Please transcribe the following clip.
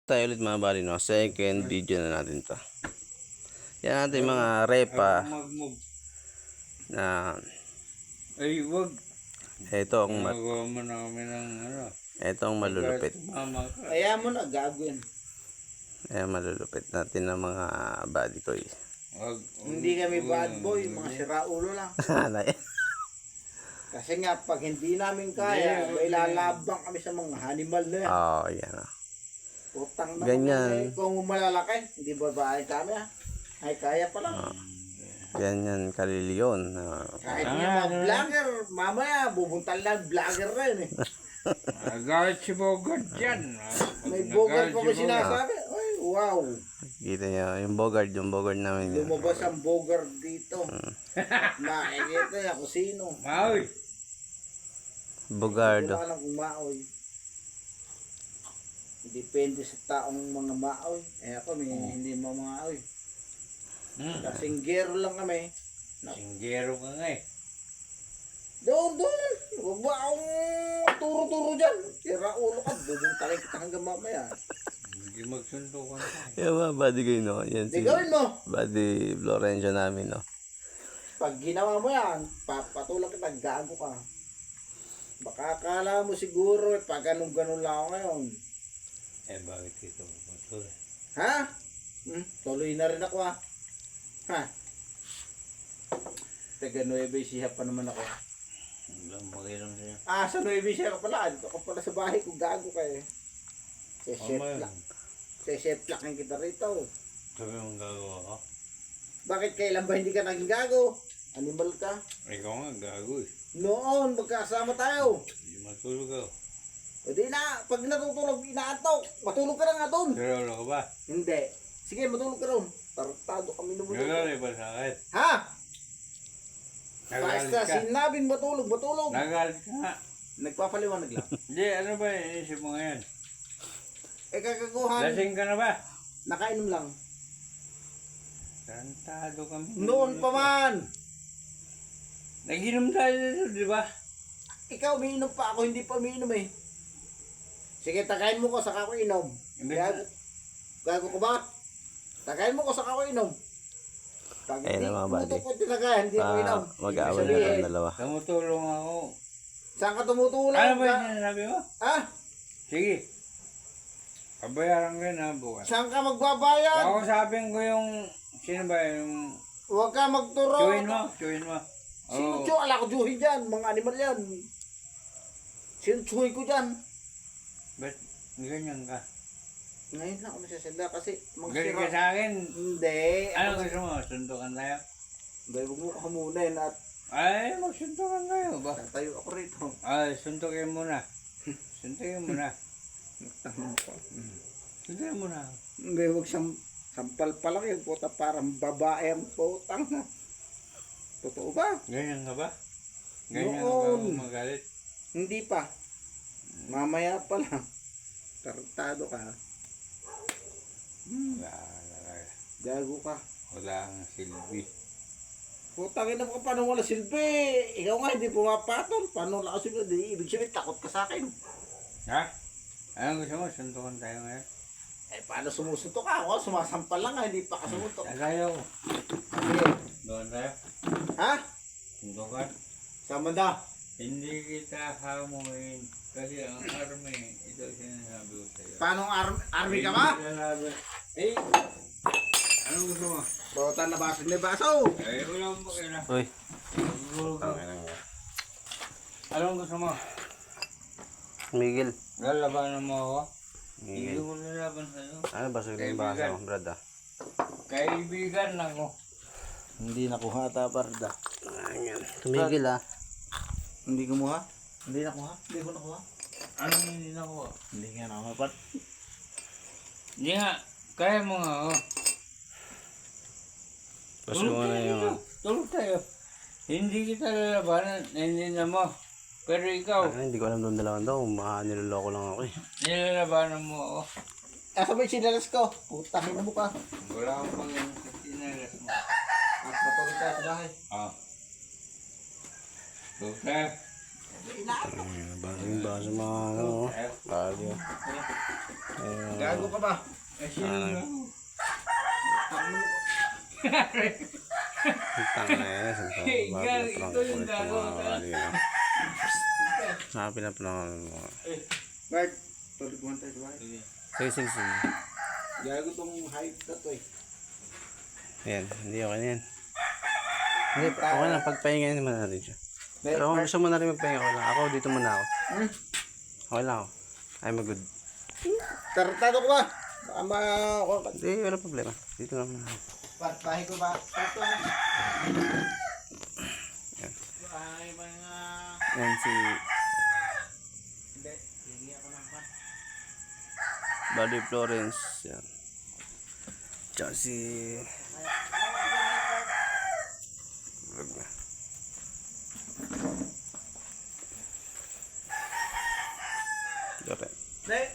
Tayo ulit mga bali, no? Second video na natin to. Yan natin mga repa na ay wag ito ang magawa mo na kami ng ano. Ito ang malulupit. Kaya mo na gagawin. Ayan, malulupit natin ng mga body ko. Hindi kami bad boy, mga siraulo lang. Kasi nga pag hindi namin kaya, may lalabang kami sa mga animal na yan. Oo, yan. Utang na ganyan. Kung malalaki, hindi babae kami ha. Ay kaya pa lang. Ganyan kaliliyon. Kahit nga mga vlogger, mamaya bubuntal lang vlogger rin eh. Nagalit si Bogart dyan. May Bogart pa ba sinasabi? Ay, wow. Kita nyo, yung Bogart namin yan. Lumabas ang Bogart dito. Nakikita niya kung sino. Maoy. Bogardo. Hindi ko alam kung maoy. Depende sa taong mga maoy. Eh ako, hindi mga maoy. Kasinggero lang kami. Singgero ka nga eh. Doon. Huwag ba akong turo-turo dyan. Tira ulo ka. Bubuntalin kita hanggang mamaya. Hindi magsuntukan tayo. Yung mga body ko no? Yan Di gawin mo. Body Florencio namin, no? Pag ginawa mo yan, papatulak kita, gago ka. Baka akala mo siguro, pag ganun-ganun lang ako ngayon. Eh bakit ito patuloy? Ha? Tuloy na rin ako ha. Ha? Taga Nueva Ecija pa naman ako. Hanggang maginom siya. Sa Nueva Ecija ka pala. Dito ka pala sa bahay ko. Gago ka eh. Seseplakin kita rito. Sabi mong gagawa ko? Bakit kailan ba hindi ka naging gago? Animal ka? Ikaw nga gago eh. Noon, magkasama tayo. Hindi matulog ako. O di na, pag natutulog, inaantok. Matulog ka na nga doon. Pero ka ba? Hindi. Sige, matulog ka doon. Tartado kami na Nagalit ba sa akin? Ha? Nagalit Basta ka? sinabing matulog. Nagalit ka nga. Nagpapaliwanag lang. Hindi, ano ba inisip mo ngayon? Kakaguhan. Lasing ka na ba? Nakainom lang. Tarantado kami. Noon pa man. Nag-inom tayo dito, di ba? Ikaw, umiinom pa. Ako hindi pa umiinom eh. Sige, tagayin mo ko, saka ako inom. Hindi. Gago ko ba? Tagayin mo ko, saka ako inom. Pag Ayun hindi na mga mo buddy. ito ko tinagayan, hindi ako inom. Mag-aaway na lang dalawa. Tumutulong ako. Saan ka tumutulong? Ano ba yung sinasabi mo? Ha? Sige. Pabayaran ko yun ha, bukas. Saan ka magbabayad? Kausapin ko yung, sino ba yung, Huwag ka magturo. Chewin mo. Sino Oo. chew? Ala ko chewin dyan. Mga animal yan. Sino chewin ko dyan? Ba't ganyan ka? Ngayon lang ako masasala kasi Galing ka sa akin. Hindi. Ano gusto mo? Suntukan tayo? Hindi, huwag mo kamunin at Ay, magsuntukan tayo ba? tatayo ako rito. Ay, suntukin muna. Suntukin muna. Suntukin muna. Hindi, huwag siyang sampal pa lang yun. Puta, parang babae ang putang. Totoo ba? Ganyan ka ba? Ganyan ka Noon. ba magalit? Hindi pa. Mamaya pa lang. Tartado ka. Gago ka. Wala kang silbi. Putang ina mo ka, paano wala silbi? Ikaw nga hindi pumapatol. Paano wala ka silbi? Di, ibig sabihin, takot ka sa akin. Ha? Anong gusto mo? Suntukan tayo ngayon? Eh, paano sumusuntok ka? Ako, sumasampal lang nga, hindi pa ka sumutok. Tagayo. Sige. Doon tayo. Ha? Suntukan. Sama na. Hindi kita hamuin. Kasi ang army, ito sinasabi ko sa'yo. Paano army ka ba? Eh, anong gusto mo? Bota na baso ni baso. Eh, wala mo kaya. Uy. Anong gusto mo? Miguel. Lalabanan mo ako? Hindi Miguel. ko lalaban sa'yo. Ano ba sa yung baso, brad? Kaibigan ako. Hindi nakuha ta, parda. Ayan. Tumigil ah. Hindi kumuha? Hindi nakuha? Hindi ko nakuha? Anong hindi nakuha? Hindi nga nakuha, pat. Hindi nga, kaya mo nga ako. Gusto mo na yung... Tulog tayo. Hindi kita lalabanan, hindi na mo. Pero ikaw, Hindi ko alam doon dalawang daw. Niloloko lang ako eh. nilalabanan mo ako. Asa ba yung sinalas ko? Putangin mo ka. Wala akong pangyayon sa sinalas mo. At matulog ka sa bahay. Ah. Tulog tayo. Baling ba sa mga ano, bagyo. Gago ka ba? Eh, sino Ano? gago? Tanga na yan. Gar, ito yung gago. Pinapanang mo. Mark, tuloy mo tayo ba? Sige, sige, sige. Gago tong hype na to eh. Ayan, hindi okay na yan. Hindi, okay na. Pagpahinga naman natin siya. Pero kung gusto mo na rin magpahinga, okay lang. Ako, dito muna ako. Okay lang ako. I'm a good. Tartado ko ba? Baka Hindi, wala problema. Dito lang muna ako. Partahe ko ba? Ito ha. Ay, mga... Yan si Hindi, hindi ako ng pan. Buddy Florence. Yan. Tsaka si... Vlog na. Dore. Hindi.